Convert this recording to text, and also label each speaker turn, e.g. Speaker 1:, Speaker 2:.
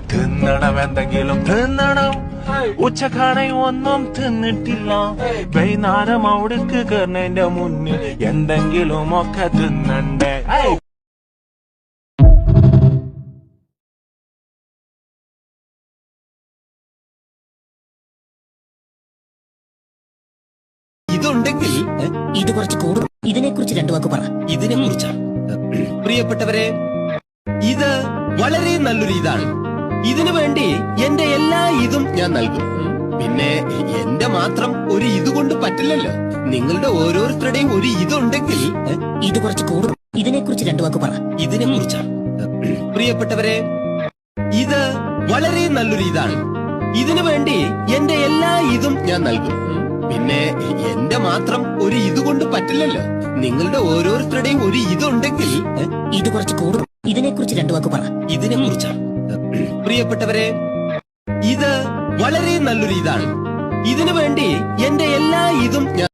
Speaker 1: തിന്നണം, എന്തെങ്കിലും തിന്നണം. ഉച്ചക്കാണെ ഒന്നും തിന്നിട്ടില്ല. വൈകുന്നേരം അവിടേക്ക് കയറുന്നതിന്റെ മുന്നിൽ എന്തെങ്കിലും ഒക്കെ തിന്നണ്ടേ.
Speaker 2: ഇതുണ്ടെങ്കിൽ
Speaker 3: ഇത് കുറച്ച് കൂടും. ഇതിനെക്കുറിച്ച് രണ്ടു വാക്ക് പറ.
Speaker 2: ഇതിനെ കുറിച്ചാ പ്രിയപ്പെട്ടവരെ, ഇത് വളരെ നല്ലൊരു ഇതാണ്. ഇതിനു വേണ്ടി എന്റെ എല്ലാ ഇതും ഞാൻ നൽകും. പിന്നെ എന്റെ മാത്രം ഒരു ഇതുകൊണ്ട് പറ്റില്ലല്ലോ. നിങ്ങളുടെ ഓരോരുത്തരുടെയും ഒരു ഇതുണ്ടെങ്കിൽ
Speaker 3: ഇത് കുറച്ച് കൂടും. ഇതിനെക്കുറിച്ച് രണ്ടു വാക്ക് പറ.
Speaker 2: ഇതിനെ കുറിച്ചാ പ്രിയപ്പെട്ടവരെ, ഇത് വളരെ നല്ലൊരു ഇതാണ്. ഇതിനു വേണ്ടി എന്റെ എല്ലാ ഇതും ഞാൻ നൽകും. പിന്നെ എന്റെ മാത്രം ഒരു ഇതുകൊണ്ട് പറ്റില്ലല്ലോ. നിങ്ങളുടെ ഓരോരുത്തരുടെയും ഒരു ഇതുണ്ടെങ്കിൽ
Speaker 3: ഇത് കുറച്ച് കൂടും. ഇതിനെക്കുറിച്ച് രണ്ടു വാക്ക് പറ.
Speaker 2: ഇതിനെ കുറിച്ചാ പ്രിയപ്പെട്ടവരെ, ഇത് വളരെ നല്ലൊരു ഇതാണ്. ഇതിനു വേണ്ടി എന്റെ എല്ലാ ഇതും ഞാൻ